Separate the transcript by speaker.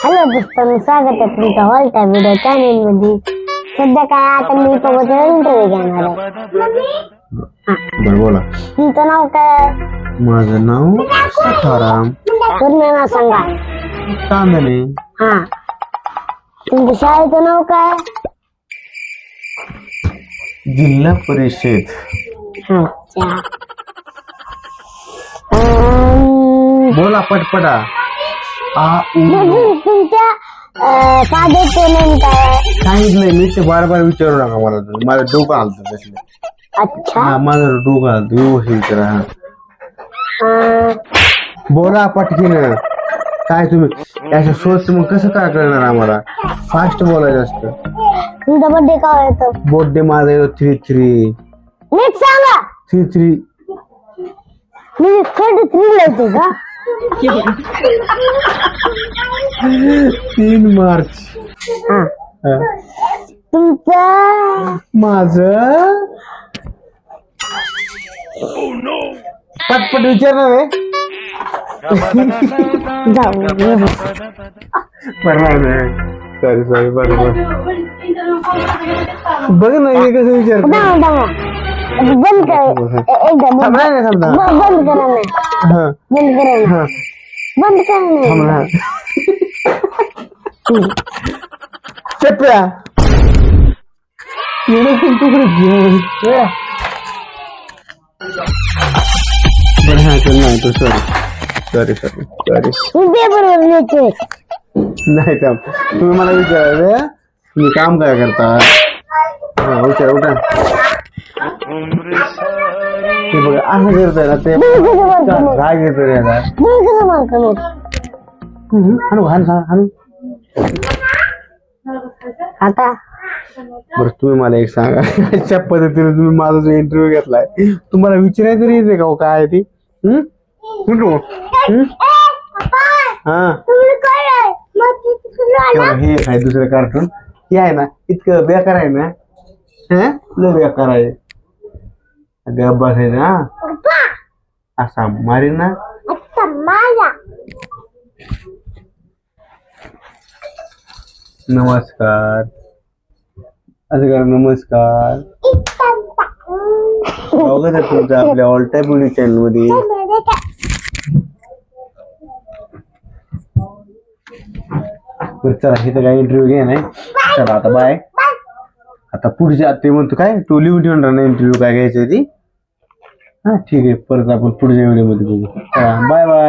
Speaker 1: Hello दोस्तांनो, स्वागत आहे तुमचं ऑल टाइम व्हिडिओ चॅनल मध्ये. सध्या काय आता मी सोबत इंटरव्ह्यू घेणार आहे.
Speaker 2: बरं बोला.
Speaker 1: तुमचं नाव काय?
Speaker 2: माझं नाव सखाराम
Speaker 1: पूर्ण नाव सांगा.
Speaker 2: तांदणे.
Speaker 1: हा, तुमच्या शाळेचं नाव काय?
Speaker 2: जिल्हा परिषद.
Speaker 1: अच्छा.
Speaker 2: बोला पटपटा.
Speaker 1: तुमच्या फादरचं नेम काय?
Speaker 2: काहीच नाही, मी ते बार बार विचारू नका मला. माझं डोकं हलतं तसलं.
Speaker 1: अच्छा.
Speaker 2: हा, माझं डोकं हलतं. व्यवस्थित विचारा. बोला पटकीन. काय तुम्ही याच्या सोच मग कसं काय करणार आम्हाला? फास्ट बोलायचं असतं.
Speaker 1: तुमचा बर्थडे काय येतो?
Speaker 2: बर्थडे माझा येतो 3-3.
Speaker 1: नीट सांगा.
Speaker 2: 3-3.
Speaker 1: मी 33 येतो का?
Speaker 2: 3 मार्च.
Speaker 1: हा.
Speaker 2: हा.
Speaker 1: तुमचं
Speaker 2: माझं पटपट विचारणार आहे.
Speaker 1: जाऊ
Speaker 2: सॉरी बरोबर. बघ ना हे कसं विचार.
Speaker 1: बंद कर एकदा.
Speaker 2: समजा नाही समजा.
Speaker 1: बंद करा नाही.
Speaker 2: हा
Speaker 1: बंद करा नाही.
Speaker 2: हा
Speaker 1: बंद करा
Speaker 2: थांब
Speaker 1: नाही.
Speaker 2: ना. चप्या बरं हा चल नाही तो सॉरी
Speaker 1: मी पेपरवर लिहितोय.
Speaker 2: नाही थांब. तुम्ही मला विचारायचं तुम्ही काम काय करता? हा विचारा उठा. ते बघा असं करतोय ना ते राग येतो रे आता.
Speaker 1: कसं मारतो मग?
Speaker 2: हाणू
Speaker 1: आता
Speaker 2: बरं तुम्ही मला एक सांगा. अशा पद्धतीने तुम्ही माझा जो इंटरव्ह्यू घेतलाय तुम्हाला विचारायचं तरी येते का काय आहे ती? हा हे आहे दुसरं कार्टून. हे आहे ना इतकं बेकार आहे ना. लय बेकार आहे. गप बसायचं हा. असा मारी ना. नमस्कार असं करा. नमस्कार. स्वागत आहे तुमचं आपल्या ऑल टाइम व्हिडिओ चॅनल मध्ये. चला इथं काय इंटरव्ह्यू घ्या नाही. चला आता बाय. आता पुढच्या ते म्हणतो काय तू लिहून ठेवून राहणार इंटरव्ह्यू काय घ्यायचं ती. हा ठीक आहे, परत आपण पुढच्या व्हिडिओ मध्ये बघू. Bye bye.